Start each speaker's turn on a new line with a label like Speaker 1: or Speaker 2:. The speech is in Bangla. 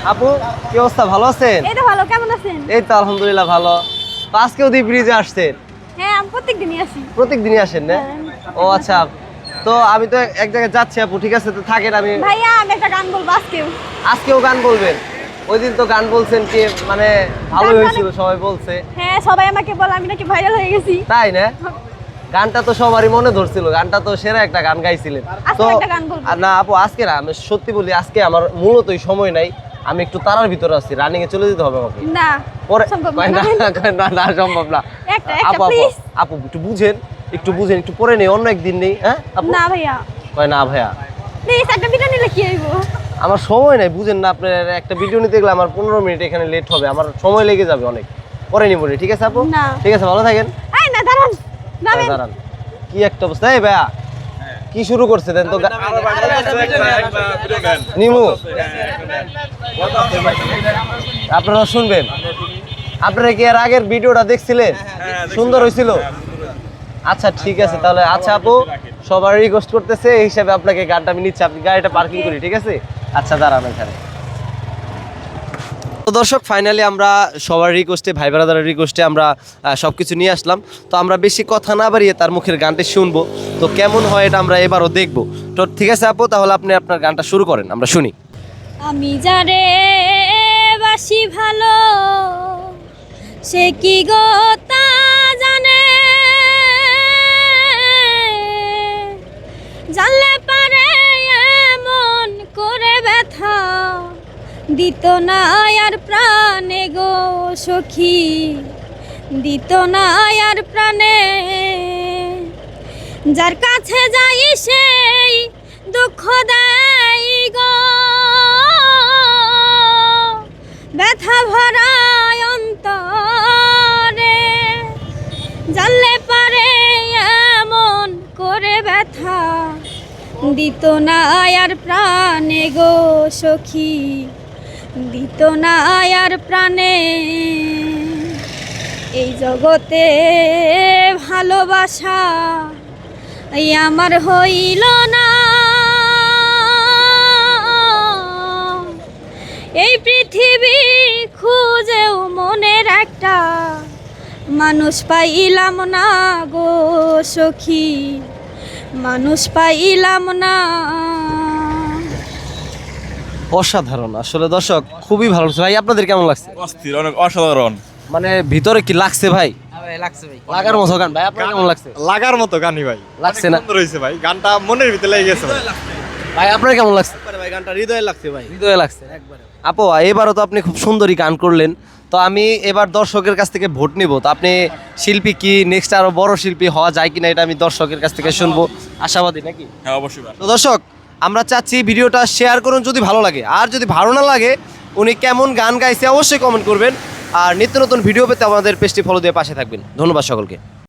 Speaker 1: আপু কি অবস্থা, ভালো আছেন?
Speaker 2: এই তো ভালো, কেমন আছেন?
Speaker 1: এই তো আলহামদুলিল্লাহ ভালো। তো আজকেও দ্বীপ ব্রিজে আসছেন?
Speaker 2: হ্যাঁ, আমি প্রত্যেকদিনই আসি।
Speaker 1: প্রত্যেকদিনই আসেন না?
Speaker 2: হ্যাঁ।
Speaker 1: ও আচ্ছা। তো আমি তো এক জায়গায় যাচ্ছি আপু, ঠিক আছে তো থাকেন। আমি
Speaker 2: ভাইয়া আমি একটা গান বলবো আজকেও।
Speaker 1: আজকেও গান বলবেন? ওই দিন তো গান বলছেন কি মানে ভালোই হয়েছিল, সবাই বলছে।
Speaker 2: হ্যাঁ, সবাই আমাকে বলে আমি নাকি ভাইরাল হয়ে গেছি।
Speaker 1: তাই না? গানটা তো সবারই মনে ধরছিল, গানটা তো সেরা একটা গান গাইছিলেন।
Speaker 2: আজকে
Speaker 1: তো
Speaker 2: একটা গান বলবো।
Speaker 1: না আপু আজকে না, আমি সত্যি বলি আজকে আমার মূলতই সময় নাই। আমি একটু তারার ভিতরে আছি, রানিং এ চলে যেতে হবে আমাকে।
Speaker 2: না,
Speaker 1: পরে
Speaker 2: সম্ভব
Speaker 1: কয়
Speaker 2: না।
Speaker 1: না না সম্ভব না।
Speaker 2: একটা
Speaker 1: আপু আপু
Speaker 2: প্লিজ।
Speaker 1: আপু একটু বুঝেন, একটু পরে নেই, অন্য একদিন নেই। হ্যাঁ আপু?
Speaker 2: না ভাইয়া,
Speaker 1: কয় না ভাইয়া
Speaker 2: প্লিজ একটা ভিডিও নিলে কি হইব?
Speaker 1: আমার সময় নাই, বুঝেন না। আপনার একটা ভিডিও নিতে গেলে আমার 15 মিনিট এখানে লেট হবে, আমার সময় লেগে যাবে অনেক। পরে নিব, ঠিক আছে আপু?
Speaker 2: না।
Speaker 1: ঠিক আছে, ভালো থাকেন।
Speaker 2: এই না, দাঁড়ান নামেন।
Speaker 1: দাঁড়ান, কি একটা অবস্থা। এই ভাইয়া কি শুরু করছে দেন তো নিমু, আপনারা শুনবেন। আপনারা কি এর আগের ভিডিওটা দেখছিলেন? সুন্দর হয়েছিল? আচ্ছা ঠিক আছে তাহলে। আচ্ছা আপু সবার রিকোয়েস্ট করতেছে, এই হিসাবে আপনাকে গানটা আমি নিচ্ছি, আপনি গাড়িটা পার্কিং করি, ঠিক আছে? আচ্ছা দাঁড়ান এখানে। তো দর্শক ফাইনালি আমরা সবার রিকোয়েস্টে, ভাই ব্রাদারের রিকোয়েস্টে আমরা সবকিছু নিয়ে আসলাম। তো আমরা বেশি কথা না বাড়িয়ে তার মুখের গানটি শুনবো, তো কেমন হয় এটা আমরা এবারও দেখবো। তো ঠিক আছে আপু, তাহলে আপনি আপনার গানটা শুরু করেন, আমরা শুনি।
Speaker 2: আমি যারে বাসি ভালো, সে কি গো তা জানে, জানলে পারে এমন করে ব্যথা দিত না আর প্রাণে গো সখী, দিত না আর প্রাণে। যার কাছে যাই সেই দুঃখ দেয় গো, ব্যথা ভরা অন্তরে, জানলে পারে এমন করে ব্যথা দিত না আর প্রাণে গো সখী, দিত না আর প্রাণে। এই জগতে ভালোবাসা এই আমার হইল না, এই পৃথিবী খুঁজেও মনের একটা মানুষ পাইলাম না গো সখী, মানুষ পাইলাম না।
Speaker 1: অসাধারণ আসলে দর্শক, খুবই ভালো লাগছে। ভাই আপনাদের কেমন লাগছে?
Speaker 3: অস্থির, অনেক অসাধারণ।
Speaker 1: মানে ভিতরে কি লাগছে ভাই?
Speaker 4: লাগছে ভাই,
Speaker 1: লাগার মতো গান। ভাই আপনার কেমন লাগছে?
Speaker 3: লাগার মতো গানই ভাই,
Speaker 1: লাগছে
Speaker 3: অনেক
Speaker 1: না?
Speaker 3: সুন্দর হয়েছে ভাই, গানটা মনের ভিতরে লেগে গেছে ভাই।
Speaker 1: ভাই আপনার কেমন লাগছে?
Speaker 4: ভাই গানটা হৃদয়ে লাগছে ভাই,
Speaker 1: হৃদয়ে লাগছে আপু। এবারও তো আপনি খুব সুন্দরই গান করলেন। তো আমি এবার দর্শকের কাছ থেকে ভোট নিব। তো আপনি শিল্পী কি নেক্সট আরো বড় শিল্পী হওয়া যায় কিনা, এটা আমি দর্শকের কাছ থেকে শুনবো, আশাবাদী নাকি?
Speaker 3: হ্যাঁ অবশ্যই ভাই।
Speaker 1: তো দর্শক আমরা চাচ্ছি ভিডিওটা শেয়ার করুন যদি ভালো লাগে, আর যদি ভালো না লাগে উনি কেমন গান গাইছে অবশ্যই কমেন্ট করবেন। আর নিত্য নতুন ভিডিও পেতে আমাদের পেজটি ফলো দিয়ে পাশে থাকবেন। ধন্যবাদ সকলকে।